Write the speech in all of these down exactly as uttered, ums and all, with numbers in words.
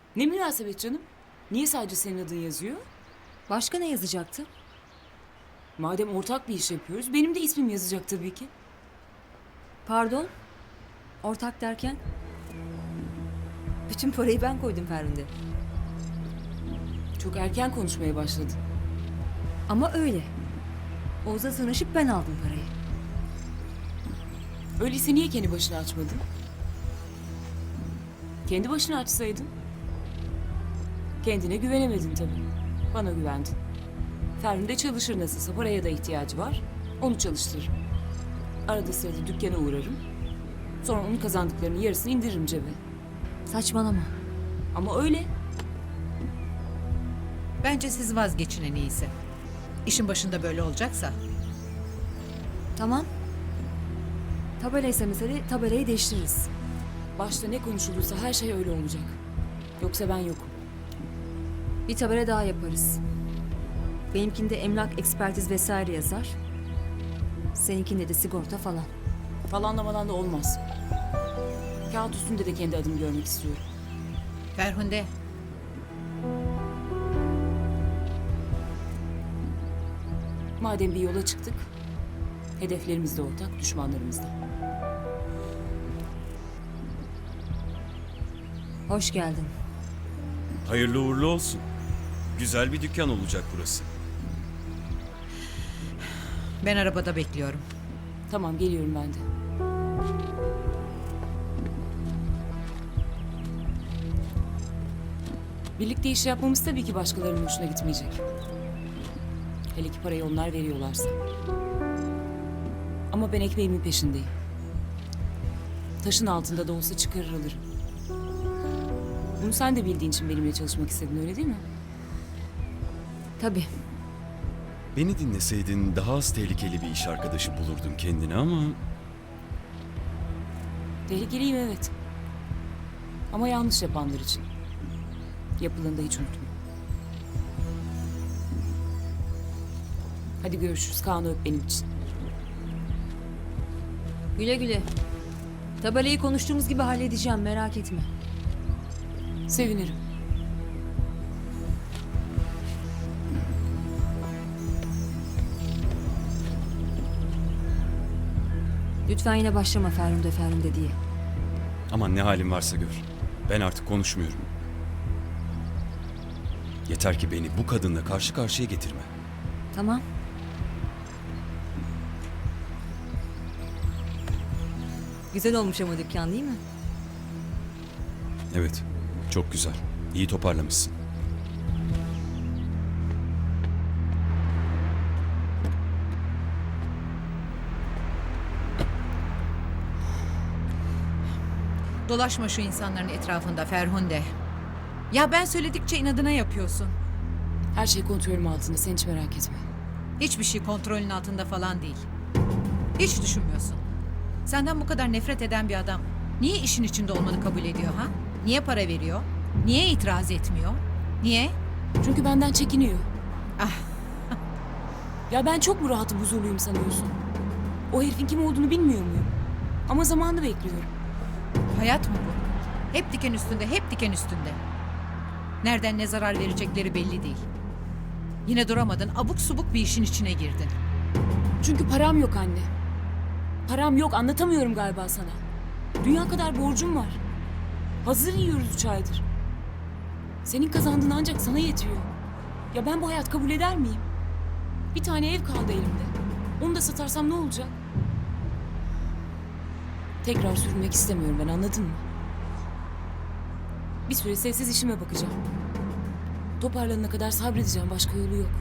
Ne münasebet canım? Niye sadece senin adın yazıyor? Başka ne yazacaktı? Madem ortak bir iş yapıyoruz, benim de ismim yazacak tabii ki. Pardon? Ortak derken? Bütün parayı ben koydum Ferhunde. Çok erken konuşmaya başladın. Ama öyle. Oğuz'a sığınışıp ben aldım parayı. Öyleyse niye kendi başına açmadın? Kendi başına açsaydın. Kendine güvenemedin tabii. Bana güvendin. Ferhunde çalışır nasılsa, paraya da ihtiyacı var. Onu çalıştırırım. Arada sırada dükkana uğrarım. Sonra onun kazandıklarının yarısını indiririm cebe. Saçmalama. Ama öyle. Bence siz vazgeçin en iyisi. İşin başında böyle olacaksa. Tamam. Tabelaysa mesele, tabelayı değiştiririz. Başta ne konuşulursa her şey öyle olacak. Yoksa ben yokum. Bir tabela daha yaparız. Benimkinde emlak, ekspertiz vesaire yazar. Seninkinde de sigorta falan. Falanlamadan da olmaz. Kağıt üstünde de kendi adımı görmek istiyorum. Ferhunde, Madem bir yola çıktık, hedeflerimiz de ortak, düşmanlarımız da. Hoş geldin. Hayırlı uğurlu olsun. Güzel bir dükkan olacak burası. ben arabada bekliyorum. Tamam, geliyorum ben de. Birlikte iş yapmamız tabii ki başkalarının hoşuna gitmeyecek. Hele ki parayı onlar veriyorlarsa. Ama ben ekmeğimin peşindeyim. Taşın altında da olsa çıkarır alırım. Bunu sen de bildiğin için benimle çalışmak istedin, öyle değil mi? Tabii. Beni dinleseydin daha az tehlikeli bir iş arkadaşı bulurdun kendine ama... Tehlikeliyim, evet. Ama yanlış yapanlar için. Yapılanı da hiç unutma. Hadi görüşürüz. Kaan'ı öp benim için. Güle güle. Tabelayı konuştuğumuz gibi halledeceğim, merak etme. Sevinirim. Lütfen yine başlama Ferhunde Ferhunde diye. Aman ne halin varsa gör. Ben artık konuşmuyorum. Yeter ki beni bu kadınla karşı karşıya getirme. Tamam. Güzel olmuş ama dükkan, değil mi? Evet, çok güzel. İyi toparlamışsın. Dolaşma şu insanların etrafında Ferhunde. Ya ben söyledikçe inadına yapıyorsun. Her şey kontrolüm altında. Sen hiç merak etme. Hiçbir şey kontrolün altında falan değil. Hiç düşünmüyorsun. Senden bu kadar nefret eden bir adam niye işin içinde olmanı kabul ediyor ha? Niye para veriyor? Niye itiraz etmiyor? Niye? Çünkü benden çekiniyor. Ah. Ya ben çok mu rahatım, huzurluyum sanıyorsun? O herifin kim olduğunu bilmiyor muyum? Ama zamanını bekliyorum. Hayat mı bu? Hep diken üstünde, hep diken üstünde. Nereden ne zarar verecekleri belli değil. Yine duramadın, abuk subuk bir işin içine girdin. Çünkü param yok anne. Param yok, anlatamıyorum galiba sana. Dünya kadar borcum var. Hazır yiyoruz üç aydır. Senin kazandığın ancak sana yetiyor. Ya ben bu hayat kabul eder miyim? Bir tane ev kaldı elimde. Onu da satarsam ne olacak? Tekrar sürünmek istemiyorum ben, anladın mı? Bir süre sessiz işime bakacağım. Toparlanana kadar sabredeceğim, başka yolu yok.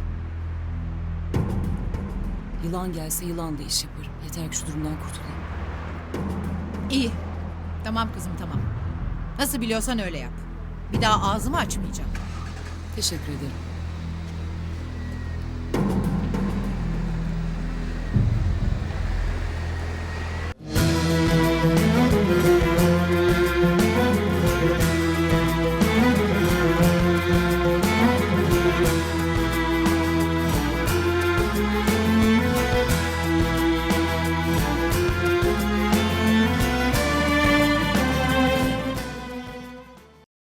Yılan gelse yılan da iş yaparım. Yeter ki şu durumdan kurtulayım. İyi. Tamam kızım, tamam. Nasıl biliyorsan öyle yap. Bir daha ağzımı açmayacağım. Teşekkür ederim.